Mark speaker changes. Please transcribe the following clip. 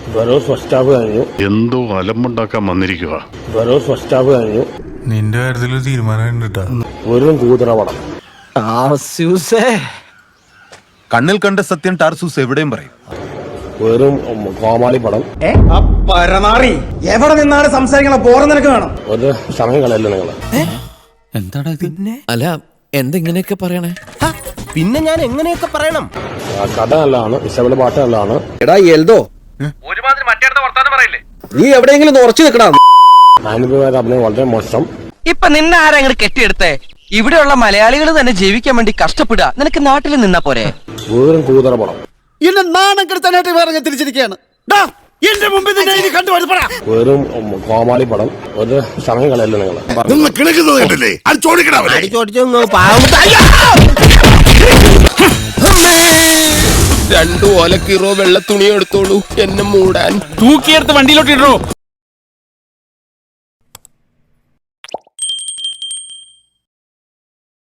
Speaker 1: എന്തോ അലമ്പുണ്ടാക്കാൻ വന്നിരിക്കുക.
Speaker 2: നിന്റെ കാര്യത്തിൽ തീരുമാനം
Speaker 3: വെറും കൂതറവടം.
Speaker 4: കണ്ണിൽ കണ്ട സത്യം ടാർസൂസ് എവിടെയും പറയും.
Speaker 3: വെറും കോമാളി പടം.
Speaker 5: പരമാറി എവിടെ നിന്നാണ് സംസാരിക്കണ പോറ നിനക്ക് വേണം.
Speaker 3: ഒരു സമയം കളയല്ലോ നിങ്ങള്.
Speaker 6: എന്താടാ പിന്നെ? അല്ല എന്തെങ്ങനെയൊക്കെ പറയണേ?
Speaker 5: പിന്നെ ഞാൻ എങ്ങനെയൊക്കെ പറയണം?
Speaker 3: കഥ നല്ലതാണ്, ഇഷ്ടപ്പെട്ട പാട്ട് നല്ലതാണ്.
Speaker 5: എടാ എൽദോ, നീ എവിടെയെങ്കിലും ഉറച്ചു നിൽക്കണം.
Speaker 3: അനുഭവ അഭിനയം വളരെ മോശം.
Speaker 7: ഇപ്പൊ നിന്നെ ആരാ അങ്ങോട്ട് കെട്ടിയെടുത്തേ? ഇവിടെയുള്ള മലയാളികൾ തന്നെ ജീവിക്കാൻ വേണ്ടി കഷ്ടപ്പെടുക. നിനക്ക് നാട്ടിൽ നിന്നാ പോരെ?
Speaker 3: വെറും കൂതറ പടം.
Speaker 5: എന്നെ നാണം കെടുത്താനായിട്ട് വേറെ തിരിച്ചിരിക്കുകയാണ്. എന്റെ മുമ്പിൽ
Speaker 3: വെറും കോമാളി പടം. ഒരു സമയം കളയല്ലോ നിങ്ങള്.
Speaker 6: രണ്ടു ഓലക്കീറോ വെള്ള തുണി എടുത്തോളൂ എന്നെ മൂടാൻ.
Speaker 2: തൂക്കിയെടുത്ത് വണ്ടിയിലോട്ട് ഇടോ.